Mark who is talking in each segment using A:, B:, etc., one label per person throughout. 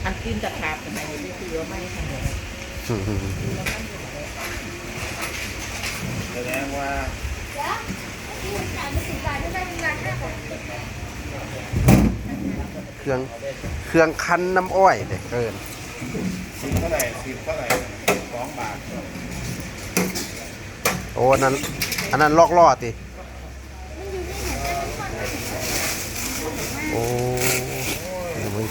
A: อันตีนตะขาบกันไหนไม่คือว่าไม่ทำเลย
B: แสดงว่า
C: เครื่องคั้นน้ำอ้อยเด็กเกิน
B: 10เท่าไหร่2 บาท
C: โอ้อันนั้นลอกล่อติโอ้ย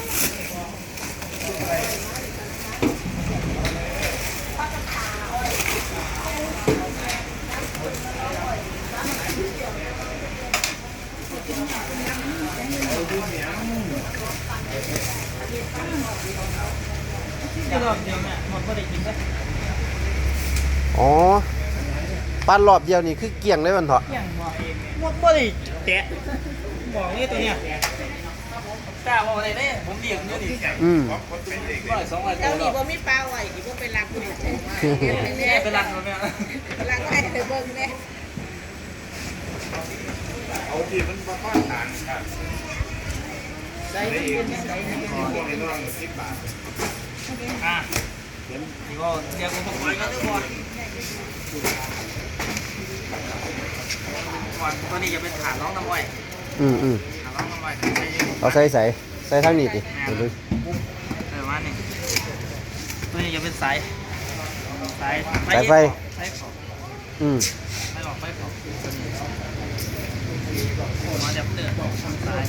C: อ๋อปั้นรอบเดียวนี่คือเกี่ยงเลยมันเถอะ
D: บ่ได้แตะบอกนี่ตัวเนี้ยกล้าบอกอะไรได้ผมเลี้ยงอยู่นี่200
A: เจ้านี่บ่มีปลาไหวที่บ่เป็นรักอยู่
D: เป็นรักมันเนี่ย
A: รักไว้ไปเบิ่งเนี่ย
B: เอาที่มันมาข้อทางครับได้อีกพวกไอ้น้อง10 บาท
D: นี่ก็เรียกผมไปกันทุกคนตัวนี้จะเป็นฐานร้องน้ำอ้อยฐานร้องน้ำอ้อย
C: เอาใส่ทางนี้ดิดู
D: มาหนึ่งตัวนี้จะเป็นสาย
C: ไฟ
D: ไฟขอบไฟขอบมาจากเตือนสาย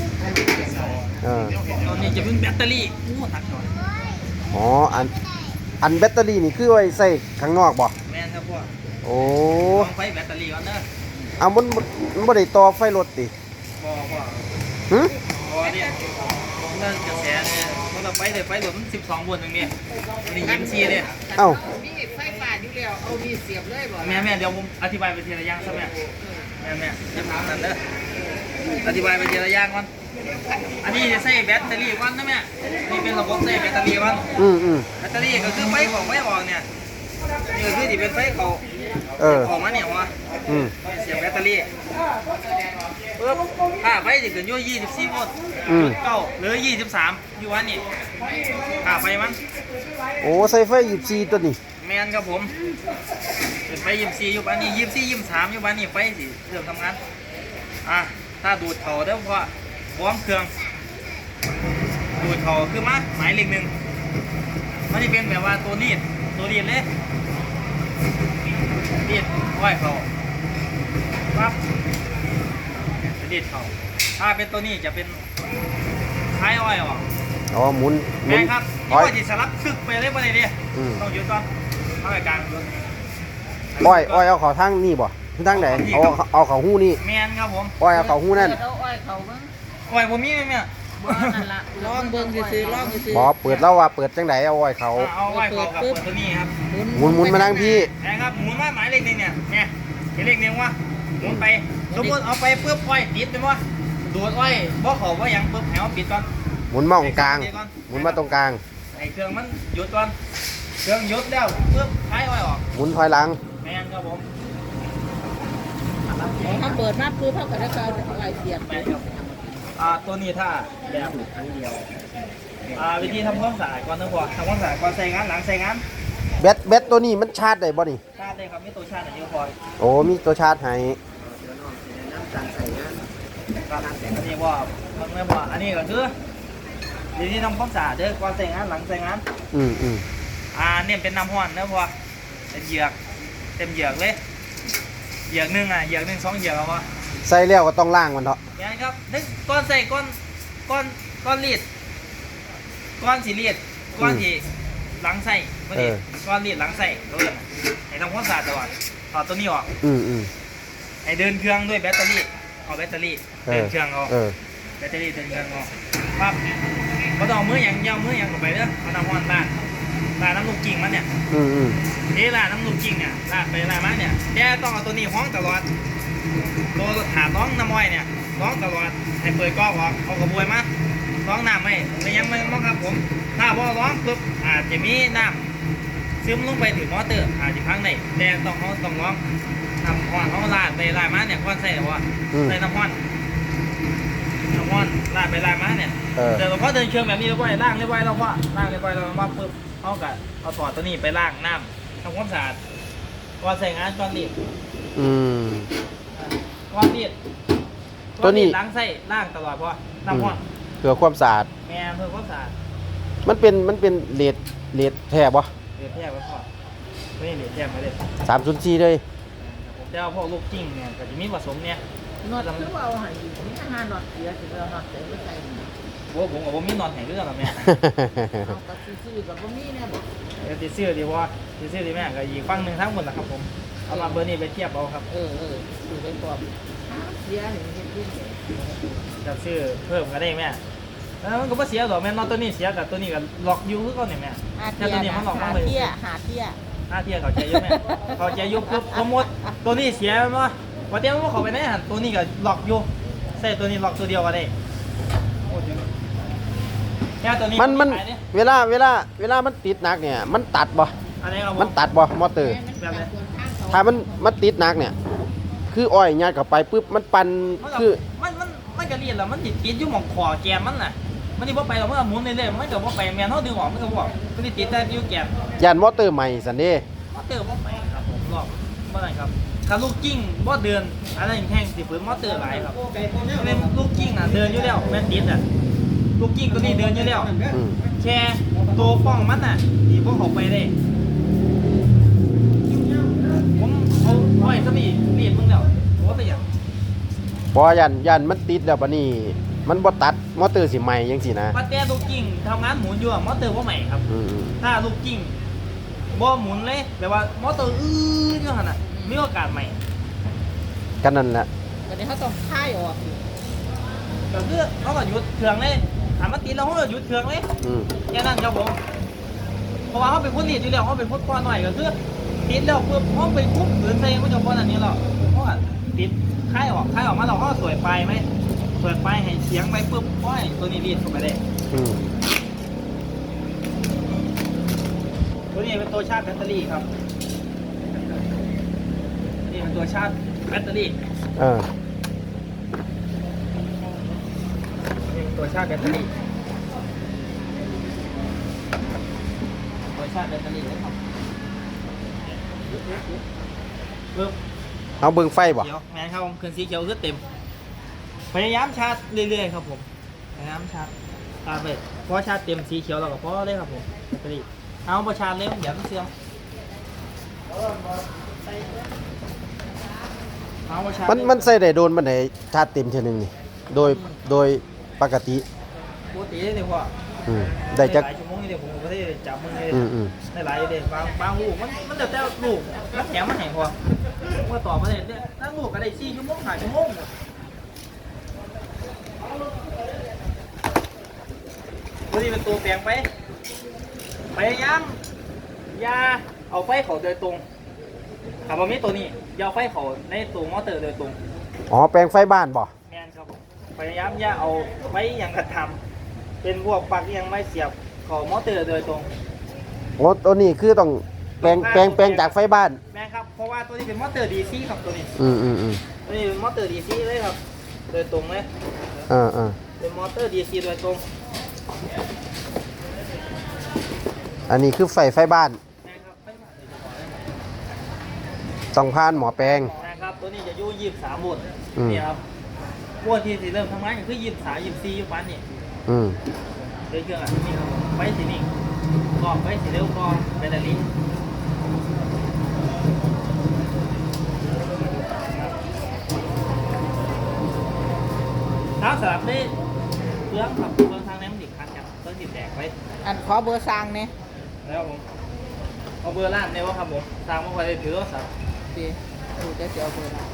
D: ตัวนี้จะเป็นแบตเตอรี่หนักหน่อย
C: อ๋ออันแบตเตอรี่นี่คือไว้ใส่ข้างนอกบ่
D: แม่นครับพวก
C: โอ้
D: ไฟแบตเตอรี่ก่อนเด้อ
C: เอามันบ่ได้ต่อไฟรถติ
D: บ่เนี่ยเรื่องกระแสเนี่ยมันเราไฟเลยไฟหลวม12 โวลต์ตรงนี้นี่ยิ้มซีเลย
C: เอ้า
A: มีไฟฟ้าอยู่แล้วเอามีเสียบเลยบ่
D: แม่เดี๋ยวผมอธิบายไปทีละอย่างซะแม่จะถามนั่นเด้ออธิบายไปทีละอย่างก่อนอันนี้จะใส่แบตเตอรี่ก่อนนะแม่นี่เป็นระบบใส่แบตเตอรี่ก่อนแบตเตอรี่ก็คือไฟของไฟออกเนี่ยนี่ก็คือที่เป็นไฟเขาออกมาเนี่ยวะเสียบแบตเตอรี่ปึ๊บค่าไฟจะเกินอยู่24 โวลต์9หรือ23อยู่วันนี้ค่าไฟมัน
C: โอ้ใส่ไฟ24ตัวนี้
D: แมนครับผมเป็นไฟ24อยู่บ้านนี้24 23อยู่บ้านนี้ไฟสิเริ่มทำงานถ้าดูดเขาได้เพราะพร้อมเครื่องดูดเขาคือมาหมายเลข1มันจะเป็นแบบว่าตัวรีดเลยรีดอ้อยเขาปั๊บรีดเขาถ้าเป็นตัวนี้จะเป็นท้ายอ้อยออก
C: อ๋อหมุน
D: แม่ครับอ้อยจะสลับซึกไปเลยประเดี๋ยวต้องหยุดก่อนเข้าไปกลาง
C: อ้อยเอาเขาทางนี่บ่ทางไหนเอาเขาหู้นี่
D: แมนครับผม
C: อ้อยเอาเขาหู้นั่น
A: เอาอ้อยเขาเบิ่ง
D: อ้อยผมมีไหมเนี่ย
A: นั่นล่ะลองเบิ่งซื่อๆลองซื่อ
C: บ่เปิดแล้วว่าเปิดจังไดเอาอ้อยเขา
D: เอาอ้อยเขากับเปิดตัวนี้ครับ
C: หมุนมาทางพี่
D: แม่ครับหมุนมาหมายเลขนึงเนี่ยเลขนึงวะหมุนไปสมมติเอาไปปุ๊บอ้อยติดเป็นวะดูดอ้อยบ่เขาว่ายังปุ๊บแถวปิดก่อน
C: หมุนมาตรงกลางหมุนมาตรงกลาง
D: ไอ้เครื่องมันหยุดก่อนเครื่องหยุดแล้วปุ๊บท้ายอ้อยออก
C: หมุนถอยหลัง
D: แม่นครับผม
A: ถ้าเปิดมาปุ๊บเขาก็ได้เอาอ้อยเสียบไป
D: ตัวนี้ถ้าแบบครั้งเดียววิธีทำความสะอาดก่อนนะพ่อทำความสะอาดก่อนใส่งานหลังใส่งาน
C: แบตตัวนี้มันชาร์จได้บ่นี่
D: ชาร์จได้ครับมีตัวชาร์จเยอะพอ
C: โอ้มีตัวชาร์จให้
D: อันนี้ว่าไม่ว่าอันนี้ก็คือวิธีทำความสะอาดเด้อก่อนใส่งานหลังใส่งานเนี่ยเป็นน้ำห้อนนะพ่อเป็นเหยือกเต็มเหยือกเลยเหยือกนึงเหยือกนึง2 เหยือกเอาวะ
C: ใส่แล้วก็ต้องล้างมันเถอะ
D: ใช่ครับนึกก้อนใส่ก้อนรีดก้อนสีรีดก้อนที่หลังใส่ไม่ดีก้อนรีดหลังใส่รู้เลยไอ้ทำความสะอาดตลอดถอดตัวนี้ออกไอ้เดินเครื่องด้วยแบตเตอรี่เอาแบตเตอรี่เดินเครื่องเอาแบตเตอรี่เดินเครื่องเอาปั๊บเขาต้องเอามืออย่างยาวมืออย่างออกไปเด้อเอาน้ำมันลาน้ำลูกกิ่งมันเนี่ยนี่ลาน้ำลูกกิ่งเนี่ยลาไปลามาเนี่ยแกต้องเอาตัวนี้ห้องตลอดตัวถาต้องน้ำอ้อยเนี่ยร้องตลอดให้เปิดก๊อกออกเอากระบวยมาร้องน้ำไม่ยังไม่ร้องครับผมถ้าพอร้องปุ๊บอาจจะมีน้ำซึมลงไปถึงมอเตอร์อาจจะพังได้แต่ต้องร้องทำห้อนเขาลาดไปลาดมาเนี่ยก้อนใส่หรือว่าใส่น้ำห้อนห้อนล่างไปล่างมาเนี่ยเดินพอเดินเชิงแบบนี้แล้วก็ล่างเรียบร้อยแล้วว่าล่างเรียบร้อยแล้วมาปุ๊บเอากับเอาถอดตัวนี้ไปล่างน้ำทำความสะอาดก่อนใส่งานก่อนรีด
C: อืม
D: ก่อนรีด
C: ตัวนี้
D: ล้างไส้ล่างตลอดเพราะน้ำห้อน
C: เพื่อความสะอาด
D: แม่เพื่อความสะอาด
C: มันเป็นเลดแท้บ่
D: เรียบแยกไว้พอไม่เรียบแยกมาเลย
C: 304เลย
D: ผมจะเอาพวกลูกกิ้งเนี่ยกับจิมีผสมเนี่ย
A: นวดคือว่าเอาให้อยู่นี่อาหารนอดเสียสิเอานอดเสียไม่ใช่
D: ผมกับผมมีนอนแห่งเรื่องหรอแม่
A: เอากระซื้อกับบ่มีเนี่ยบ่
D: เดี๋ยวติดเสื้อดีว่าติดเสื้อดีแม่ก็อีกฝั่งหนึ่งทั้งหมดนะครับผมเอามาเบอร์นี้ไปเทียบเอาครับ
A: ซื้อไปก่อนเสียนี่เฮ็ดดิ
D: จะซื้อเพิ่มก็ได้แม่แล้วมันก็บ่เสียหรอกแม่นอนตัวนี้เสียกับตัวนี้ก็ล็อกอยู่คือก่อนเนี่ยแม่แต่ตัวนี้มันล็อกมาเลย
A: หาเที่ย
D: หน้าที่เขาใจเยอะแม่เขาใจยุบปุ๊บสมมติตัวนี้เสียมั้ยว่าเดี๋ยวมันเขาไปไหนหันตัวนี้ก็ล็อกอยู่ใส่ตัวนี้ล็อกตัวเดียวก็ได้แค่ตัวนี้
C: มันเวลามันติดหนักเนี่ย มันตัดบ่
D: อันนี้ครับ
C: มันตัดบ่มอเตอร์ ถ้ามันติดหนักเนี่ย คืออ้อยยัดเข้าไปปุ๊บมันปั่นคือ
D: มันก็เรียนแล้วมันติดอยู่หม่องคอแกมมันน่ะมันนี่บ่ไปหรอกมันก็หมุนเรื่อยๆมันก็บ่ไปแม่นเฮาดึงออกมันก็บ่มันติดแต่อยู่แกม
C: ยันมอเตอร์ใหม่สันเด้
D: มอเตอร์บ่ไปครับผมรอบบ่ได้ครับถ้าลูกกิ้งบ่เดินอะไรแห้งสิฝืนมอเตอร์หลายครับเป็นลูกกิ้งน่ะเดินอยู่แล้วแม่นติดอ่ะลูกกิ้งตัวนี้เดินอยู่แล้ว
C: อืม
D: แค่ตัวป้องมันน่ะที่พวกเขาไปได้ผมเอาไว้ซะนี่รีดมึงแล้วว่าเป็นหยัง
C: พอยันมันติดแล้วบัดนี้ มันบ่ตัดมอเตอร์สิใหม่จังซี่นะ
D: ปัดแต่ลูกกิ้งทำงานหมุนอยู่อะมอเตอร์บ่ใหม่ครับ
C: อืม
D: ถ้าลูกกิ้งบ่หมุนเลยแปลว่ามอเตอร์อยู่หั่นน่ะมีโอกาสใหม่
C: กันนั่นแหละ
A: วันนี้เขาต้องค่ายออกอยู่
D: ก็คือเขาก็หยุดเครื่องเลยถามมันติดแล้วเขาก็หยุดเครื่องเลย
C: อืม
D: แค่นั้นครับผมเพราะว่าเขาเป็นคนรีดอยู่แล้วเขาเป็นคนป้อนหน่อยก็คือติดแล้วปุ๊บเขาไปคุบหรือใส่มันจะป้อนอันนี้หรอกเพราะว่าติดคลายออกมาเราก็สวยไปไหมเปิดไฟให้เสียงไปปุ๊บโอ้ยตัวนี้รีดเข้าไปได้
C: อืม
D: ตัวนี้เป็นตัวชาร์จแบตเตอรี่ครับนี่เป็นตัวชาร์จแบตเตอรี่
C: เออ
D: นี่เป็นตัวชาร์จแบตเตอรี่ตัวชาร์จแบตเตอรี่นะครับปึ๊บ
C: เอาเบิ่งไฟบ่
D: เขียวแมนครับผมเครื่องสีเขียวคือเต็มพยายามชาร์จเรื่อยๆครับผมพยายามชาร์จตามไปพอชาร์จเต็มสีเขียวเราก็พอเลยครับผมแบตเตอรี่เอาพอชาร์จเร็วเดี๋ยวมันเสื่อมเอาพอชาร์จ
C: มันใส่ได้โดนมันได้ชาร์จเต็มเท่อนึงนี่โดยปกติ
D: ปกติเลยว่า
C: อืมได้จัก
D: หลายชั่วโมงนี่เดี๋ยวผมก็ได้จับมึงเลย
C: อืม
D: ได้หลายเดี๋ยวบางลูกมันจะแต่ลูกมันแข็งมันแข็งพอเมื่อต่อมาเนี่ยนั่งลูกก็ได้4 ชั่วโมง5 ชั่วโมงตัวนี้เป็นตัวแปลงไปพยายามอย่าเอาไฟเขาโดยตรงขับรถมีตัวนี้อย่าเอาไฟเขาในตัวมอเตอร์โดยตรง
C: อ๋อแปลงไฟบ้านบ่
D: แม่นครับผมพยายามอย่าเอาไว้อย่างกระทำเป็นพวกปลั๊กยังไม่เสียบเขามอเตอร์โดยตรง
C: โอ้ตัวนี้คือต้องแปลงจากไฟบ้าน
D: แม่นครับเพราะว่าตัวนี้เป็นมอเตอร์ดีซีครับตัวนี้
C: อืม
D: ตัวนี้เป็นมอเตอร์ดีซีเลยครับโดยตรงเลย เป็นมอเตอร์ดีซีโดยตรง
C: อันนี้คือไฟบ้าน
D: แม่นครับ
C: ต้องผ่านหมอแปลง
D: แม่นครับตัวนี้จะอยู่23 โวลต์
C: อืม
D: นี่ครับโวลต์ที่สิเริ่มทำงานก็คือ23 24อยู่ปานนี้
C: อืม
D: โดยเครื่องอันนี้ครับไฟสีนิ่งกรอบไฟสีเร็วกรอบแบตเตอรี่น้ำสลับได้เครื่องครับเครื่องทางน้ำดิบคันครับเครื่องดิบแตกไว้
A: อันขอเบอร์สร้างเนี่ย
D: แล้วผมเอาเบอร์ร้านได้ว่าครับผมตามมาคอยถือว่าสับ
A: ดีดูจะเอาเบอร์ร้าน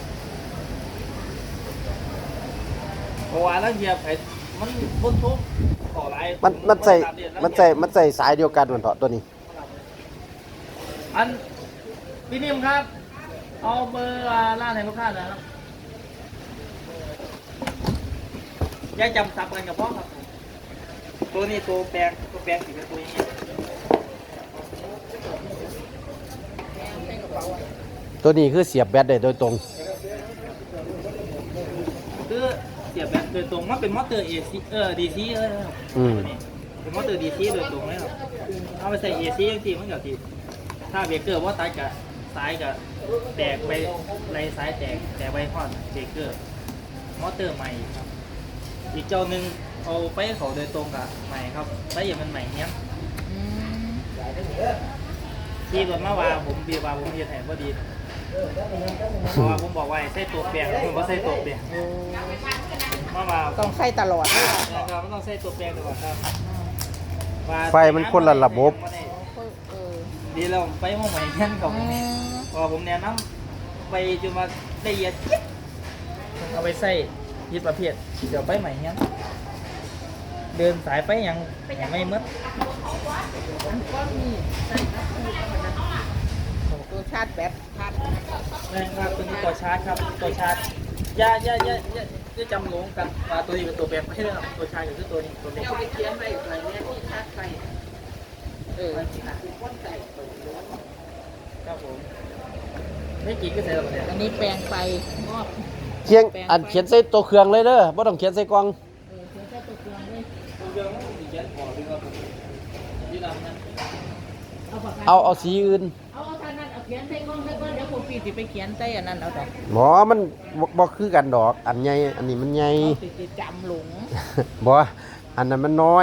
D: เพราะว่าแล้วเหยียบไอ้มันพ้นทุกขอไร
C: มันใส่สายเดียวกันมันเถอะตัวนี้
D: อันพี่นิ่มครับ เอาเบอร์ร้านให้ลูกค้าหนะครับอย่าจำสับกันกับพ่อครับตัวนี้ตัวแปลงสิเป็นตัวอย่างนี้
C: ตัวนี้คือเสียบแบตได้โดยตรง
D: คือเสียบบโดยตรงมันเป็นมอเตอร์ AC DC เลยครับ
C: อืม
D: ตัวนี้เป็นมอเตอร์ DC โดยตรงเลยครับเอาไปใส่ AC จังซี่มันก็สิถ้าเบรกเกอร์บ่ตัดก็สายก็แตกไปไรสายแตกไปฮอดเบรกเกอร์มอเตอร์ใหม่ครับอีกเจ้าหนึงเอาไปให้เขาโดยตรงกับใหม่ครับไปอย่างมันใหม่เนี้ย
A: อืม
D: ที่รถมาว่าผมเบียร์ว่าผมเฮ็ดให้บ่ดีเพราะว่าผมบอกว่าให้ใส่ตัวแปลงผมบ่ใส่ตัวแปลง
A: โอ้
D: มาว่า
A: ต้องใส่ตลอดเลย
D: นะครับมันต้องใส่ตัวแปลงตลอดครับว่า
C: ไฟมันคนละระบบ
A: เออ
D: ดีแล้วผมไปมองใหม่เงี้ยกับ
A: อืม
D: พอผมแนะนำไปจนมาละเอียดยิบเอาไปใส่ยึดประเภทเดี๋ยวไปใหม่เงี้ยเดินสายไปยังไม่มืด
A: อันก็มีใส่ตัวชาร์จแบตชาร์จ
D: นะครับตัวนี้ตัวชาร์จครับตัวชาร์จอย่าจำหลงกันว่าตัวนี้เป็นตัวแปลงไม่ใช่ครับตัวชาร์จคือตัวนี้ตัวเล็ก
A: เอาไปเขียนไว้หน่อยเนี่ยที่ชาร์จไฟเออ
D: ครับผมไม่กี่ก็เสร็จแล้วเนี่ย
A: อันนี้แปลงไฟมอบ
C: เขียนอันเขียนใส่ตัวเครื่องเลยเด้อบ่ต้องเขียนใส่กล่อง
A: เขียนใส่ตัวเครื่องเลย
D: ตัวเดียวมันมีเจ็ดพอดีครับผมยืดดำนะ
A: ปากกา
C: เอาสีอื่น
A: เอาท่านั้นเอาเขียนใส่กล้องใส่ก้อนเดี๋ยวผมปีสิไปเขียนใส่อันนั้นเอาดอก
C: หมอมันบ่คือกันดอก อันใหญ่อันนี้มันใหญ่
A: เอาติดจำหลง
C: บ่อันนั้นมันน้อย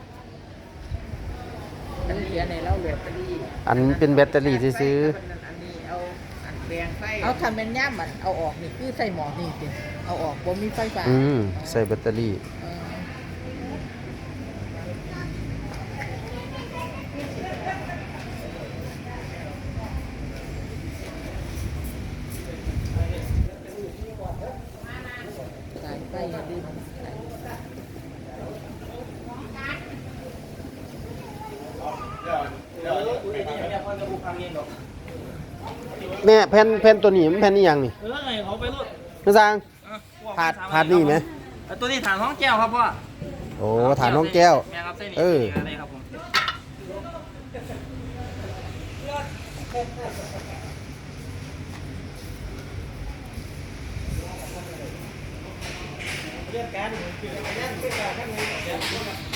A: อันเขียนในเล่าเหลือไปดี
C: อันเป็นแบตเตอรี่ซื้อ
A: อันนี้เอาอันแปลงไฟเอาทำเป็นย่ามมันเอาออกนี่คือใส่หมอนี่สิเอาออกบ่มีไฟฟ้า
C: ๆใส่แบตเตอรี่
A: เออสายไฟอย่าลืมสาย
D: เดี๋ยวไอ้นี่เนี่ยพอจะบุกพังเองหรอก
C: แม่แผ่นตัวนี้มันแผ่นนี้ยังนี่
D: ไงเขาไปรถ
C: นึกสร้างผาดนี่ไหม
D: ตัวนี้ฐานห้องแก้วครับพ่อ
C: โอ้ฐานน้องแก้ว
D: แม่ครับเส้นนี้
C: เออ
D: อะไรครับผมเรียกกัน